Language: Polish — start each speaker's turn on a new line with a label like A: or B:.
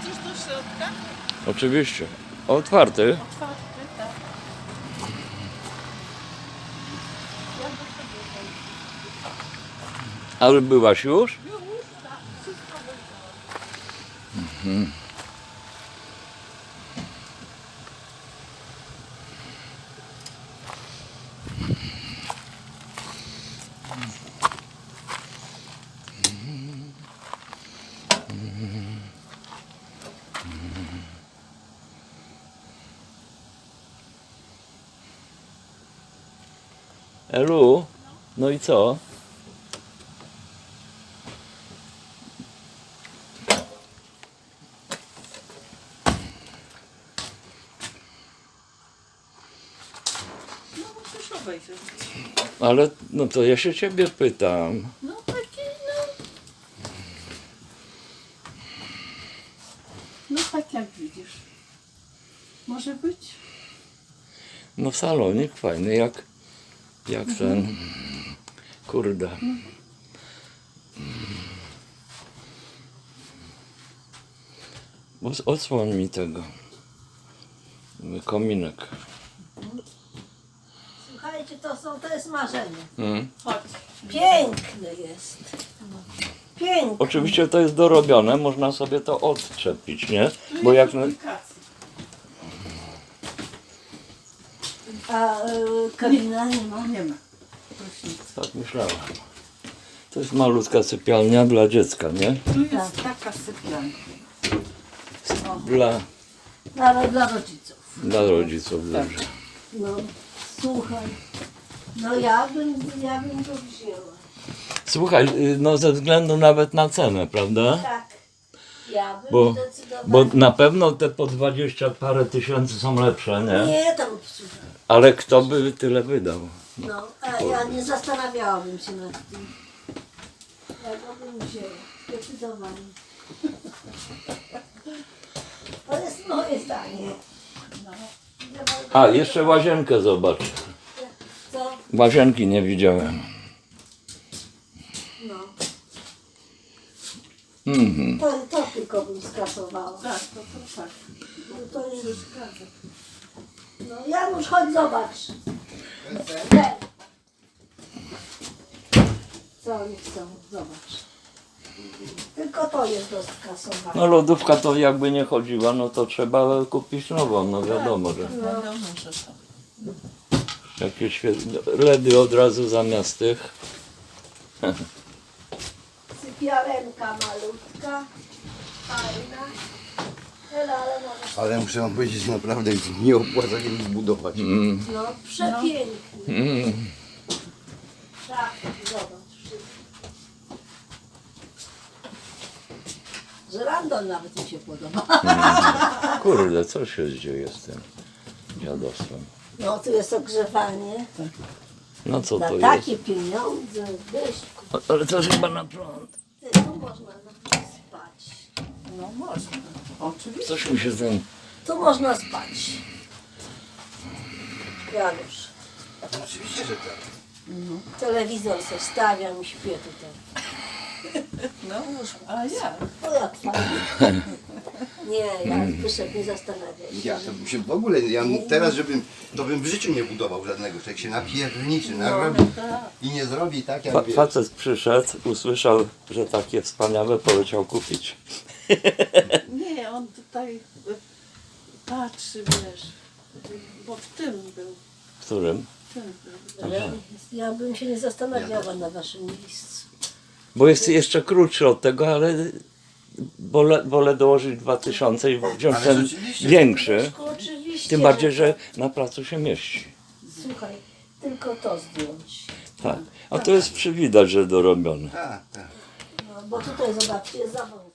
A: Wchodzisz do środka?
B: Oczywiście. Otwarty.
A: Otwarty, tak. Ja do sobie wejdę.
B: Ale byłaś już?
A: Już, tak. Wszystko wyjrzałam.
B: Elu, no i co?
A: No musisz obejrzeć.
B: Ale no to ja się ciebie pytam.
A: No taki, no. No tak jak widzisz. Może być?
B: No salonik fajny, jak ten. Kurde. Odsłoń mi tego. Kominek.
C: Słuchajcie, to jest marzenie.
A: Chodź.
C: Piękny jest. Piękny.
B: Oczywiście to jest dorobione, można sobie to odczepić, nie? Bo jak...
A: Aplikacji.
C: A kabina nie ma.
A: Nie ma. Prysznic.
B: Tak myślałem. To jest malutka sypialnia dla dziecka, nie?
A: Tu jest taka sypialnia.
C: Dla rodziców.
B: Dla rodziców, dobrze.
C: No, słuchaj. No ja bym to wzięła.
B: Słuchaj, no ze względu nawet na cenę, prawda?
C: Tak. Ja bym
B: Bo
C: zdecydowanie.
B: na pewno te po 20 parę tysięcy są lepsze, nie?
C: Nie, tam słuchaj.
B: Ale kto by tyle wydał?
C: No, a ja nie zastanawiałabym się nad tym. Ja go bym wzięła. Zdecydowanie. To jest moje zdanie.
B: A, jeszcze łazienkę zobacz.
C: Co?
B: Łazienki nie widziałem.
C: No.
B: Mhm.
C: To tylko bym skasowała.
A: Tak, to tak.
C: No to jest przeszkadza. No Janusz, chodź zobacz. Ten. Co oni chcą? Zobacz. Tylko to jest do skasowania.
B: No lodówka to jakby nie chodziła, no to trzeba kupić nową, no wiadomo, że
A: Wiadomo, że to.
B: jakieś LEDy od razu zamiast tych.
C: Sypialenka malutka. Fajna. Ale może...
D: Ale muszę wam powiedzieć, naprawdę nie opłaca się nic budować.
C: No przepiękny. Tak, zobacz. Żyrandol nawet mi się podoba.
B: Kurde, co się dzieje z tym dziadostwem?
C: No tu jest ogrzewanie.
B: No co
C: Na
B: to jest?
C: takie pieniądze, Byszku.
B: Ale to chyba na prąd.
C: Ty, tu można nawet spać.
A: No można. Oczywiście.
B: Coś mi się ten...
C: Tu można spać. Janusz.
D: Oczywiście, że tak.
C: Telewizor se stawiam i śpię tutaj.
A: No, a ja?
C: O jak fajnie. Nie, ja Zbyszek nie zastanawiaj się.
D: Ja to bym się w ogóle, teraz to bym w życiu nie budował żadnego. Człowiek się napierniczy, narobi i nie zrobi tak jak wiesz.
B: Facet przyszedł, usłyszał, że takie wspaniałe, poleciał kupić.
A: Nie, on tutaj patrzy, wiesz. Bo w tym był.
B: W którym?
A: W tym był.
C: Ale ja bym się nie zastanawiała na waszym miejscu.
B: Bo jest jeszcze krótszy od tego, ale wolę dołożyć 2000 i wziąć
D: Ale
B: ten
D: rzeczywiście.
B: większy.
C: Byszku, oczywiście.
B: Tym bardziej, że na placu się mieści.
C: Słuchaj, tylko to zdjąć.
B: Tak. A to jest przywidać, że dorobione.
D: Tak, tak.
C: No, bo tutaj zobaczcie, jest za wąsko.